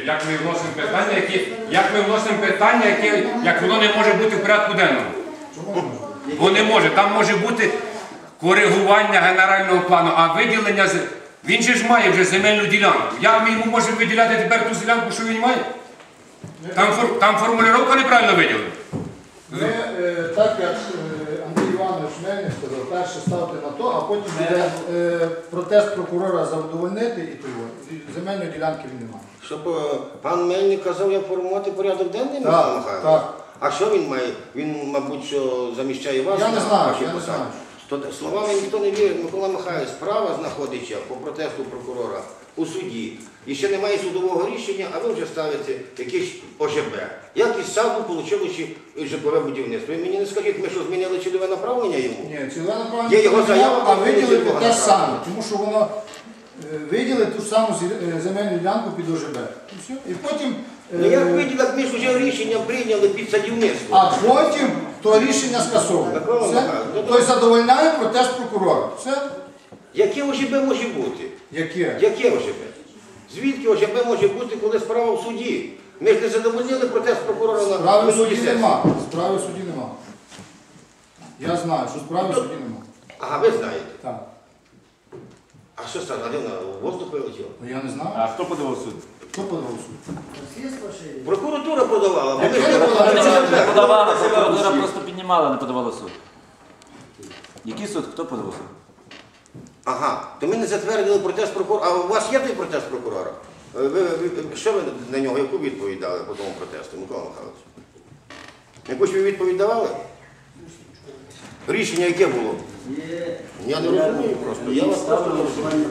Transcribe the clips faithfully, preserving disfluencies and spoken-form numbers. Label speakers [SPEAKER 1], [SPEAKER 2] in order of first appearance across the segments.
[SPEAKER 1] як ми вносимо питання, які, як ми вносимо питання, які, як воно не може бути в порядку денному. Бо не може. Там може бути коригування генерального плану, а виділення, він же ж має вже земельну ділянку. Як ми йому можемо виділяти тепер ту ділянку, що він має? Там, там формулювання неправильно виділена.
[SPEAKER 2] Ми, е, так як е, Андрій Іванович Мельник сказав, перше ставте на то, а потім буде е, протест прокурора задовольнити і того. Земельної ділянки він не має.
[SPEAKER 3] Щоб е, пан Мельник казав, як формувати порядок денний, Михайло
[SPEAKER 2] Так,
[SPEAKER 3] Михайлович?
[SPEAKER 2] так.
[SPEAKER 3] А що він має? Він, мабуть, що заміщає вас?
[SPEAKER 2] Я не
[SPEAKER 3] на
[SPEAKER 2] знаю,
[SPEAKER 3] вашій
[SPEAKER 2] я не
[SPEAKER 3] посаді?
[SPEAKER 2] знаю.
[SPEAKER 3] То, словами ніхто не вірить. Микола Михайлович, справа знаходиться по протесту прокурора у суді. І ще немає судового рішення, а ви вже ставите якийсь О Ж Б. Як із саду отримали житлове будівництво. Ви мені не скажіть, ми що змінили цільове направлення йому?
[SPEAKER 2] Ні, цільове направлення,
[SPEAKER 3] Є його заява,
[SPEAKER 2] а
[SPEAKER 3] про
[SPEAKER 2] виділити
[SPEAKER 3] цільове
[SPEAKER 2] те ж саме,
[SPEAKER 3] направлення.
[SPEAKER 2] тому що воно е, виділить ту ж саму зі- е, земельну ділянку під О Ж Б. І все. І потім, е,
[SPEAKER 3] Ну як виділи, як ми ж вже рішення прийняли під садівництво.
[SPEAKER 2] а потім то рішення скасовує.
[SPEAKER 3] Микола
[SPEAKER 2] Все?
[SPEAKER 3] Михайлович, ну,
[SPEAKER 2] Тобто задовольняє протест прокурора. Все?
[SPEAKER 3] Яке О Ж Б може бути?
[SPEAKER 2] Яке?
[SPEAKER 3] Яке О Ж Б? Звідки О Ж Б може бути, коли справа в суді? Ми ж не задовольнили протест прокурора на
[SPEAKER 2] Справи в
[SPEAKER 3] минулій
[SPEAKER 2] суді
[SPEAKER 3] сесії.
[SPEAKER 2] нема. Справи в суді нема. Я знаю, що справи в суді нема.
[SPEAKER 3] Ага, ви знаєте.
[SPEAKER 2] Так.
[SPEAKER 3] А що стало? Де вона в воздух вилетіла?
[SPEAKER 2] Ну я не знаю.
[SPEAKER 4] А хто подавав суд?
[SPEAKER 2] Хто подавав суд?
[SPEAKER 3] Прокуратура подавала, бо ми
[SPEAKER 2] Яке
[SPEAKER 3] ж
[SPEAKER 2] не
[SPEAKER 3] не
[SPEAKER 2] подавала?
[SPEAKER 3] подавали.
[SPEAKER 4] Не подавала, прокуратура просто піднімала, не подавала суд. Який суд? Хто подавав суд?
[SPEAKER 3] Ага, то ми не затвердили протест прокурора. А у вас є той протест прокурора? Ви, ви, ви- що ви на нього, яку відповідь дали по тому протесту, Микола Михайлович? Якусь ви відповідь давали? Рішення яке було? Я не розумію просто. Я вас просто не розумію.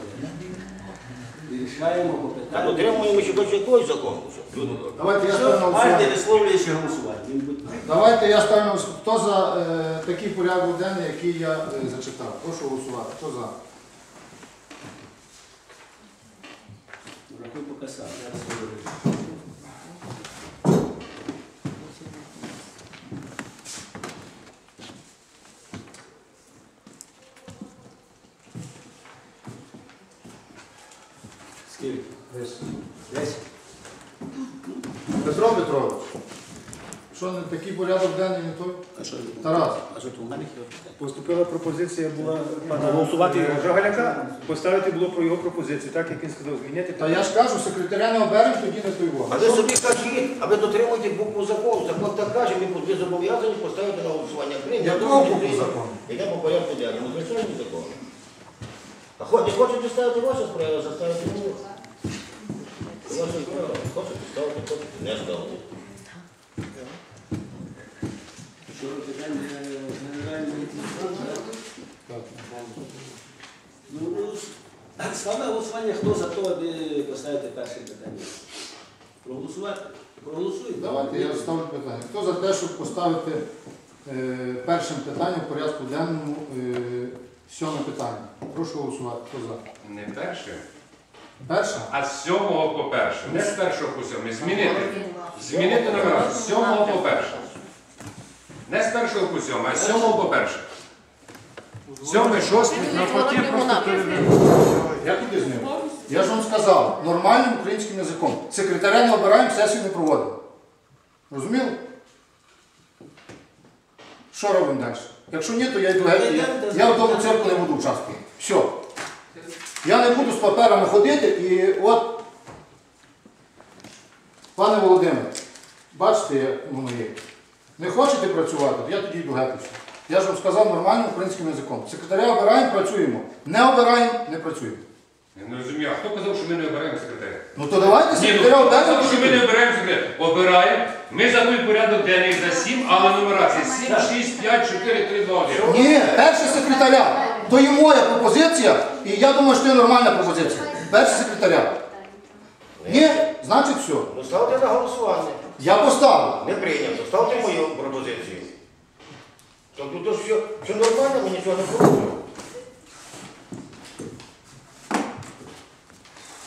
[SPEAKER 5] Рішаємо по
[SPEAKER 3] Так,
[SPEAKER 5] питанню.
[SPEAKER 3] отримуємо ще хоч якийсь закон. Люди добрі.
[SPEAKER 2] Давайте я ставлю на
[SPEAKER 5] Кожен
[SPEAKER 2] голосування.
[SPEAKER 5] висловлює ще голосування. Він буде-
[SPEAKER 2] Давайте я ставлю на голосування. Хто за е, такий порядок денний, який я е, зачитав? Прошу голосувати. Хто за?
[SPEAKER 5] Рахуй поки сам. Я розповідаю. Скільки? Десять.
[SPEAKER 2] Петро Петрович. Що не такий порядок денний, не той?
[SPEAKER 5] А що?
[SPEAKER 2] Тарас.
[SPEAKER 5] А що то у мене хіба?
[SPEAKER 6] Поступила пропозиція була пана голосувати Жагаляка, поставити було про його пропозицію, так як він сказав, змінити.
[SPEAKER 2] Та я ж кажу, секретаря не оберемо, тоді не той
[SPEAKER 3] А ви собі кажіть, а ви дотримуєте букву закону. Закон так каже, ми ви зобов'язані поставити на голосування. Крім
[SPEAKER 2] Якого букву закону?
[SPEAKER 3] Йде по порядку денному. Звичайно закон. А хо- не хочете ставити вашу справу, заставити мені. Ваша справа. Хочете ставити, хочете не ставити.
[SPEAKER 5] Що питання генеральної Ну, ставте голосування, хто за те, аби поставити перше питання. Проголосувати? Проголосуємо.
[SPEAKER 2] Давайте я ставлю питання. Хто за те, щоб поставити е, першим питанням в порядку денному е, сьоме питання? Прошу голосувати. Хто за?
[SPEAKER 1] Не перше,
[SPEAKER 2] Перше?
[SPEAKER 1] а з сьомого по перше. Не з першого по сьомий. Змінити. Змінити номера. З сьомого по перше. Не з першого по сьомий, а з сьомого по перше. Сьомий, шостий.
[SPEAKER 2] Я куди з ним? Я ж вам сказав, нормальним українським язиком. Секретаря не обираємо, сесію не проводимо. Розуміли? Що робимо далі? Якщо ні, то я йду геть. Я, я в тому цирку не буду участвувати. Все. Я не буду з паперами ходити і от, пане Володимире, бачите, як воно є. Не хочете працювати, то я тоді йду геть. і все. Я ж вам сказав нормальним українським язиком. Секретаря обираємо, працюємо. Не обираємо, не працюємо.
[SPEAKER 1] Я не розумію, а хто казав, що ми не обираємо секретаря?
[SPEAKER 2] Ну то давайте
[SPEAKER 1] Ні, ну,
[SPEAKER 2] секретаря
[SPEAKER 1] хто
[SPEAKER 2] оберемо.
[SPEAKER 1] казав, що ми не обираємо секретаря? Обираємо. Ми за той порядок денний за сім, але нумерація сім, шість, п'ять, чотири, три, два, один.
[SPEAKER 2] Ні, перше секретаря. То є моя пропозиція, і я думаю, що це нормальна пропозиція. Перше секретаря. Ні, значить все.
[SPEAKER 3] Ну ставте на голосування.
[SPEAKER 2] Я поставив.
[SPEAKER 3] Не прийнято. Ставте мою пропозицію. Тобто, то, що, що нормально, ми нічого не порушуємо.